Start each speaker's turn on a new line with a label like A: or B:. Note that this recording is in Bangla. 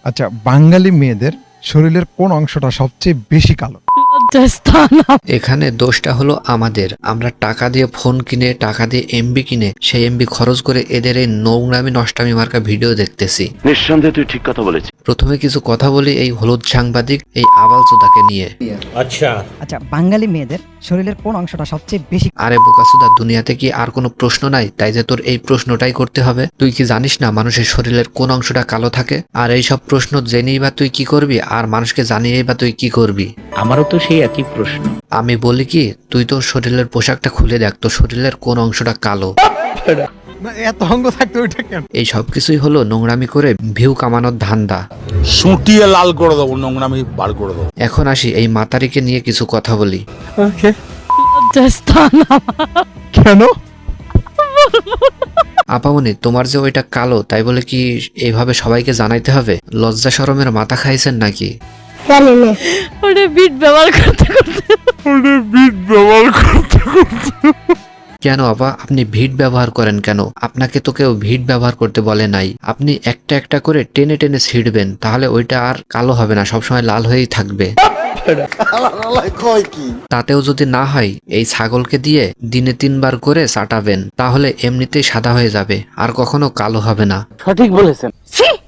A: আচ্ছা, বাঙালি মেয়েদের শরীরের কোন অংশটা সবচেয়ে বেশি কালো?
B: এখানে দোষটা হলো আমাদের। আমরা টাকা দিয়ে ফোন কিনে, টাকা দিয়ে এমবি কিনে, সেই এমবি খরচ করে এদের এই নোংরামি নষ্টামি মার্কা ভিডিও দেখতেছি।
C: নিঃসন্দেহে তুই ঠিক কথা বলেছিস।
B: প্রথমে কিছু কথা বলি এই হলুদ সাংবাদিক এই আবালচোদাকে নিয়ে।
D: আচ্ছা,
E: বাঙালি মেয়েদের শরীরের কোন অংশটা সবচেয়ে বেশি?
B: আরে বোকাসুদা, দুনিয়াতে কি আর কোনো প্রশ্ন নাই তাই যে তোর এই প্রশ্নটাই করতে হবে? তুই কি জানিস না মানুষের শরীরের কোন অংশটা কালো থাকে? আর এই সব প্রশ্ন জেনেই বা তুই কি করবি, আর মানুষকে জানিয়েই বা তুই কি করবি?
D: আমারও তো সেই একই প্রশ্ন।
B: আমি বলি কি, তুই তোর শরীরের পোশাকটা খুলে দেখ, তোর শরীরের কোন অংশটা কালো।
A: না, এত অঙ্গ থাকতো ওইটা কেন?
B: এই সব কিছুই হলো নোংরামি করে ভিউ কামানোর ধান্দা।
F: সুটিয়ে লাল করে দেবো, নোংরামি বার করে দেবো।
B: এখন আসি এই মাতারিকে নিয়ে কিছু কথা বলি।
A: কেন?
B: আপামনি, তোমার যে ওইটা কালো তাই বলে কি এইভাবে সবাইকে জানাইতে হবে? লজ্জা শরমের মাথা খাইছেন নাকি?
G: ওটা বিট ব্যবহার করতে
B: কেন আপা, আপনি ভিট ব্যবহার করেন কেন? আপনাকে তো কেউ ভিট ব্যবহার করতে বলে নাই। আপনি একটা একটা করে টেনে টেনে ছিঁড়বেন, তাহলে ওইটা আর কালো হবে না, সবসময় লাল হয়েই থাকবে। তাতেও যদি না হয়, এই ছাগলকে দিয়ে দিনে 3 বার করে চাটাবেন, তাহলে এমনিতেই সাদা হয়ে যাবে, আর কখনো কালো হবে না।
D: সঠিক বলেছেন।